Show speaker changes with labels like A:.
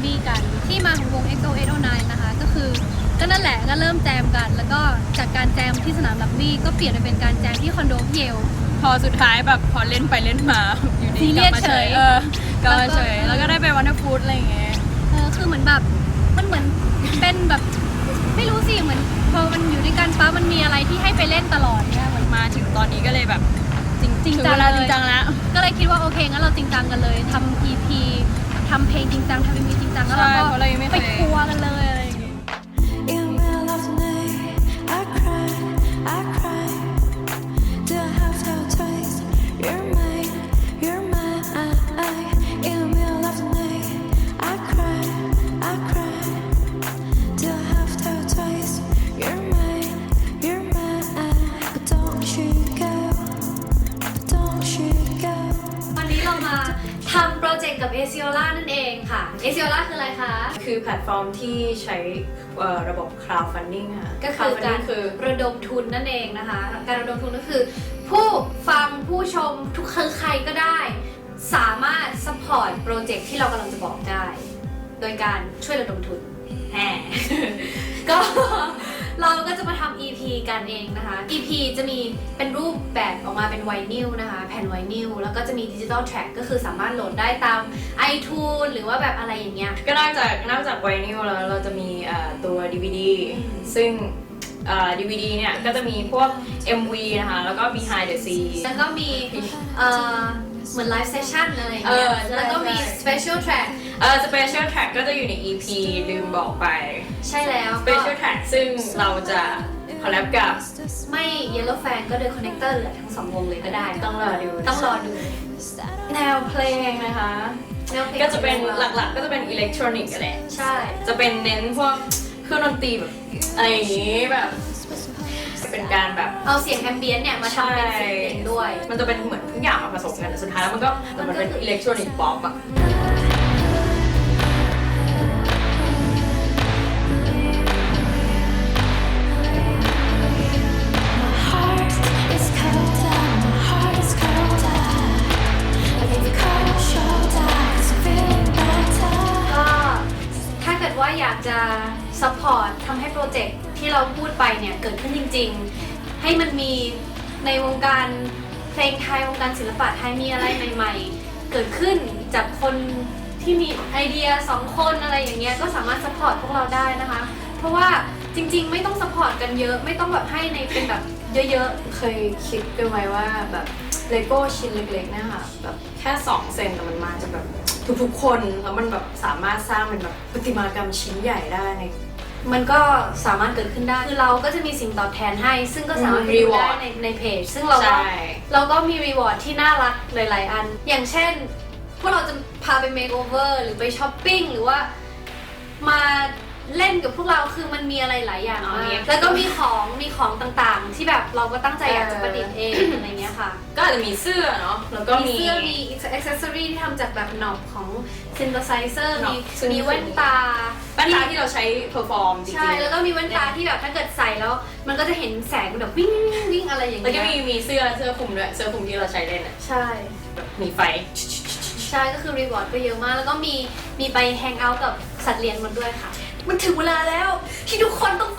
A: บี้กันที่มาของวง XO809 นะคะก็คือก็นั่นแหละก็เริ่มแจมกันแล้วก็จากการแจมที่สนามรักบี้ก็เปลี่ยนไปเป็นการแจมที่คอนโดพี่เยล
B: พอสุดท้ายแบบพอเล่นไปเล่นมาอยู่ดีกลับมาเฉยกลับมาเฉยแล้วก็ได้ไปวันเดอร์ฟูดอะไรอย่างเงี้ย
A: คือเหมือนแบบมันเหมือนเป็นแบบไม่รู้สิเหมือนพอมันอยู่ด้วยกันปั๊บมันมีอะไรที่ให้ไปเล่นตลอดเนี่ยเหมือน
B: มาถึงตอนนี้ก็เลยแบบจริง
A: จัง
B: แล้ว
A: ก็เลยคิดว่าโอเคงั้นเราจริงจังกันเลยทำ EP ทำเพลงจริงจังทำ MV จริงจังแล้วเราก็ไปทัวร์กันเลยอะไรอย่างเงี้ยทำโปรเจกต์กับ Aciola นั่นเองค่ะ Aciola คืออะไรคะ
C: คือแพลตฟอร์มที่ใช้ระบบ crowdfunding ค่ะ
A: ก็คือการระดมทุนนั่นเองนะคะการระดมทุนก็คือผู้ฟังผู้ชมทุกใครก็ได้สามารถ support โปรเจกต์ที่เรากำลังจะบอกได้โดยการช่วยระดมทุนก็เราก็จะมาทำ EP กันเองนะคะ EP จะมีเป็นรูปแบบออกมาเป็นไวนิลนะคะแผ่นไวนิลแล้วก็จะมีดิจิตอลแทร็กก็คือสามารถโหลดได้ตาม iTunes หรือว่าแบบอะไรอย่างเงี้ย
C: ก็นอกจากไวนิลแล้วเราจะมีตัว DVD ซึ่งDVD เนี่ยก็จะมีพวก MV นะคะแล้วก็ behind the scenes
A: แล้วก็มีเหมือนไลฟ์เซสชั่นอะไรอย่างเงี้ยแล้วก็มี special track
C: special track ก็จะอยู่ใน EP ลืมบอกไป
A: ใช่แล้ว
C: special track ซึ่งเราจะคอลแลบกับ
A: ไม่ Yellow Fan ก็โดย connector เหลือทั้งสองวงเลยก็ได้
C: ต้องรอดูแนวเพลงนะคะก็จะเป็นหลักๆก็จะเป็นอิเล็กทรอนิกส์แหละ
A: ใช่
C: จะเป็นเน้นพวกเครื่องดนตรีแบบอะไรอย่างงี้แบบเป็นการแบบ
A: เอาเสียงแอมเบียนต์เนี่ยมาทำเป็นเสียงเพลงด้วย
C: มันจะเป็นเหมือนทุกอย่างมาผสมกันแต่สุดท้ายแล้วมันเป็นอิเล็กทรอนิกส์ป๊อปอะ
A: ว่าอยากจะซัพพอร์ตทำให้โปรเจกต์ที่เราพูดไปเนี่ยเกิดขึ้นจริงๆให้มันมีในวงการเพลงไทยวงการศิลปะไทยมีอะไรใหม่ๆเกิดขึ้นจากคนที่มีไอเดีย2คนอะไรอย่างเงี้ยก็สามารถซัพพอร์ตพวกเราได้นะคะเพราะว่าจริงๆไม่ต้องซัพพอร์ตกันเยอะไม่ต้องแบบให้ในเป็นแบบเยอะ
C: ๆเคยคิดกันไว้ว่าแบบเลโก้ชิ้นเล็กๆนะคะแบบแค่2 เซนแต่มันมาจากแบบทุกๆคนแล้วมันแบบสามารถสร้างเป็นแบบประติมากรรมชิ้นใหญ่ได้
A: มันก็สามารถเกิดขึ้นได้คือเราก็จะมีสิ่งตอบแทนให้ซึ่งก็สามารถรีวอร์ดในเพจซึ่งเราก็มีรีวอร์ดที่น่ารักหลายๆอันอย่างเช่นพวกเราจะพาไปเมคโอเวอร์หรือไปช้อปปิ้งหรือว่ามาเล่นกับพวกเราคือมันมีอะไรหลายอย่างมากแล้วก็มีของต่างๆที่แบบเราก็ตั้งใจอยากจะประดิษฐ์เองอะไรเงี้ยค่ะ
C: ก็อาจจะมีเสื้อเนาะแล้วก็
A: มีเสื้อมีอ็อกเซสซอรี่ที่ทำจากแบบหนอบของซินเ h อร์ไซเซอร์มีแว่นตา
C: ที่เราใช้เพอร์ฟอร์มจริงๆ
A: ใช่แล้วก็มีแว่นตาที่แบบถ้าเกิดใส่แล้วมันก็จะเห็นแสงแบบวิ่งวิ่งอะไรอย่างเงี้ย
C: แล้วก็มีเสื้อคลุมด้วยเสื้อคลุมที่เราใช้เล่นอ่ะ
A: ใช่
C: มีไฟ
A: ใช่ก็คือรีวอร์ดก็เยอะมากแล้วก็มีไปแฮงเอาท์กับสัตว์เลี้ยงมันด้วยค่ะมันถึงเวลาแล้วที่ทุกคนต้อง